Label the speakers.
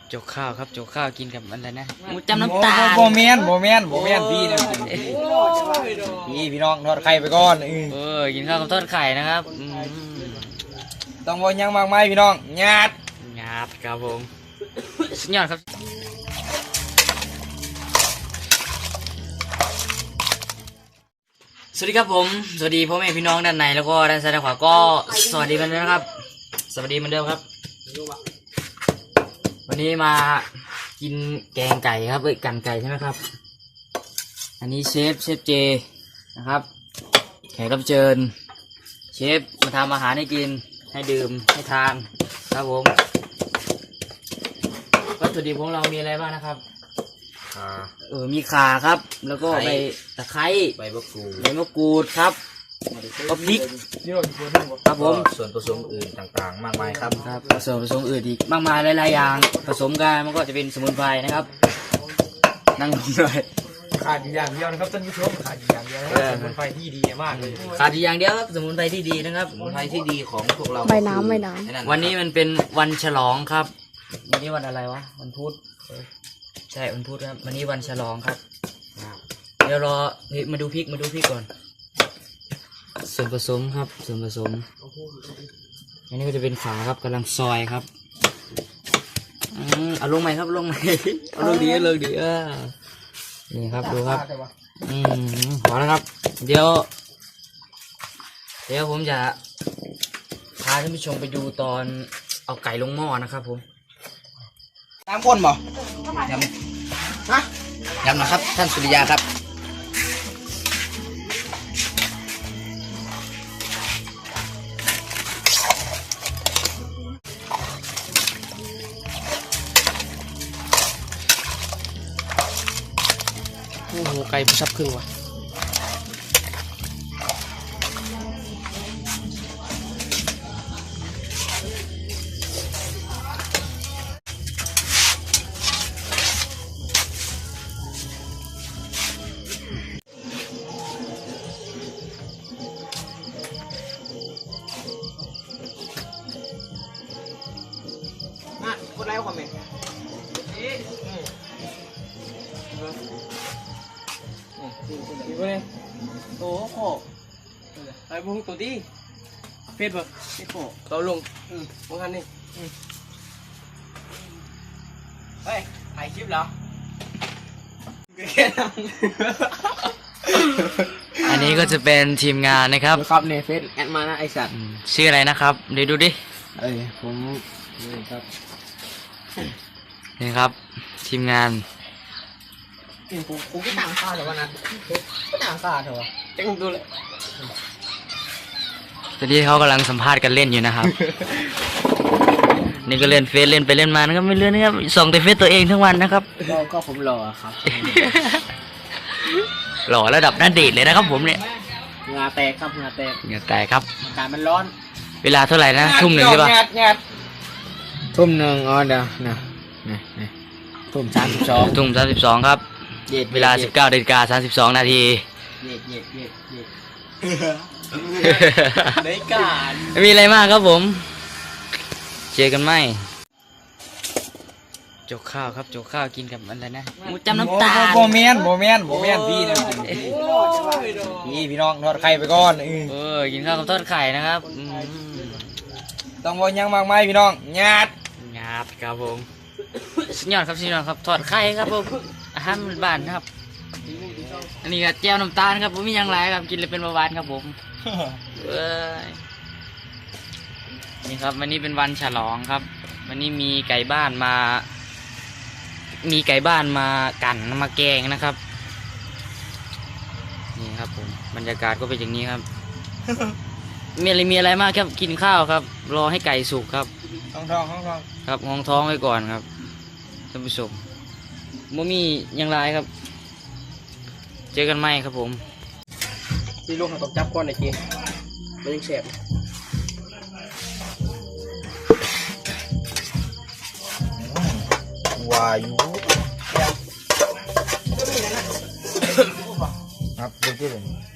Speaker 1: จกข้าวครับจกข้าวกินกับอะไรนะหมูจำน้ำตาล
Speaker 2: โบเมนพี่นะพี่น้องทอดไข่ไปก่อน
Speaker 1: กินข้าวกับทอดไข่นะครับ
Speaker 2: ต้องบอกยังมากมายพี่น้องญาติ
Speaker 1: ครับผมสุดยอดครับสวัสดีครับผมสวัสดีพ่อแม่พี่น้องด้านในแล้วก็ด้านซ้ายด้านขวาก็สวัสดีเหมือนเดิมครับสวัสดีเหมือนเดิมครับวันนี้มากินแกงไก่ครับกันไก่ใช่ไหมครับอันนี้เชฟเจนะครับแขกรับเชิญเชฟมาทำอาหารให้กินให้ดื่มให้ทานครับผมวัตถุดิบของเรามีอะไรบ้างนะครับมีข่าครับแล้วก็ใบตะไคร้ใบมะกรูดครับก็พริกครับผม
Speaker 2: ส่วนผสมอื่นต่างๆมากมายครับ
Speaker 1: ส่วนผสมอื่นอีกมากมายหลายๆอย่างผสมกันมันก็จะเป็นสมุนไพรนะครับนั่งลงเลย
Speaker 2: ขาดอย่างเดียวนะครับท่านผู้ชมขาดอย่างเดียวนะครับสมุนไพรที่ดีมากเลย
Speaker 1: ขาดอย่างเดียวครับสมุนไพรที่ดีนะครับ
Speaker 2: สมุนไพรที่ดีของพวกเรา
Speaker 3: ใบน้ำ
Speaker 1: วันนี้มันเป็นวันฉลองครับวันนี้วันอะไรวะวันพุธใช่วันพุธครับวันนี้วันฉลองครับเดี๋ยวรอมาดูพริกก่อนส่วนผสมครับส่วนผสมอันนี้ก็จะเป็นขาครับกำลังซอยครับเอาลงไหมครับลงไหมเอาลงดีนี่ครับดูครับพอแล้วครับเดี๋ยวผมจะพาท่านผู้ชมไปดูตอนเอาไก่ลงหม้อนะครับผม
Speaker 2: ตามคนบ่
Speaker 1: ยำนะครับท่านสุริยาครับโอ้โหไก่ซับครึ่งว่ะ
Speaker 2: กดไลค์คอมเมนต์โอ้โหไอ้บุ้งตัวดีเฟซบุ๊กเราลงมึงทันนี่เฮ้ยถ่ายคลิปเหรอ
Speaker 1: อันนี้ก็จะเป็นทีมงานนะครับ
Speaker 2: ครับในเฟซแอดมานะไอสัตว์
Speaker 1: ชื่ออะไรนะครับเดี๋ยวดูดิ
Speaker 2: ผมนี่ครับ
Speaker 1: นี่ครับทีมงาน
Speaker 2: กูก็ต่างค่าแต่ว่านั้นก็ต่างค่าเถอะจะกูดูเลย
Speaker 1: ตอนนี้เขากำลังสัมภาษณ์กันเล่นอยู่นะครับ นี่ก็เล่นเฟซเล่นไปเล่นมานะครับไม่เล่นนะครับส่องแต่เฟซตัวเองทั้งวันนะครับ
Speaker 2: ก็ผมหล่อครับ
Speaker 1: หล่อระดับน่าเดทเลยนะครับผมเนี่ย
Speaker 2: เหงื่อแตกครับเหงื่อแตก
Speaker 1: ครับ
Speaker 2: อากาศมันร้อน
Speaker 1: เวลาเท่าไหร่นะทุ่มหนึ่งใช่ปะ
Speaker 2: ทุ่มหนึ่งเดี๋ยวทุ่ม
Speaker 1: 32ครับเวลา 19:32 นาที
Speaker 2: ได้การ
Speaker 1: ไม่มีอะไรมากครับผมเจอกันไหมจกข้าวครับจกข้าวกินกับอะไรนะหมูจำน้ำตาล
Speaker 2: โบเมนพี่นะพี่น้องทอดไข่ไปก่อน
Speaker 1: กินข้าวกับทอดไข่นะครับ
Speaker 2: ต้องบอกยังมากมายพี่น้องญาติ
Speaker 1: ครับผมสุดยอดครับทอดไข่ครับผมอาหารบ้านครับอันนี้ก็แจ่วน้ำตาลครับผมมีอย่างไรครับกินเลยเป็นเบาหวานครับผมนี่ครับวันนี้เป็นวันฉลองครับวันนี้มีไก่บ้านมากันมาแกงนะครับนี่ครับผมบรรยากาศก็เป็นอย่างนี้ครับ มีอะไรมากครับกินข้าวครับรอให้ไก่สุกครับ
Speaker 2: ห้องท้อง
Speaker 1: ครับห้องท้องไว้ก่อนครับท่านผู้ชมบ่มีอย่างไรครับเจอกันไหมครับผม
Speaker 2: ที่ลูกเขาต้องจับก้อนไอ้กี้มันยังแสบวายุครับดูที่เลย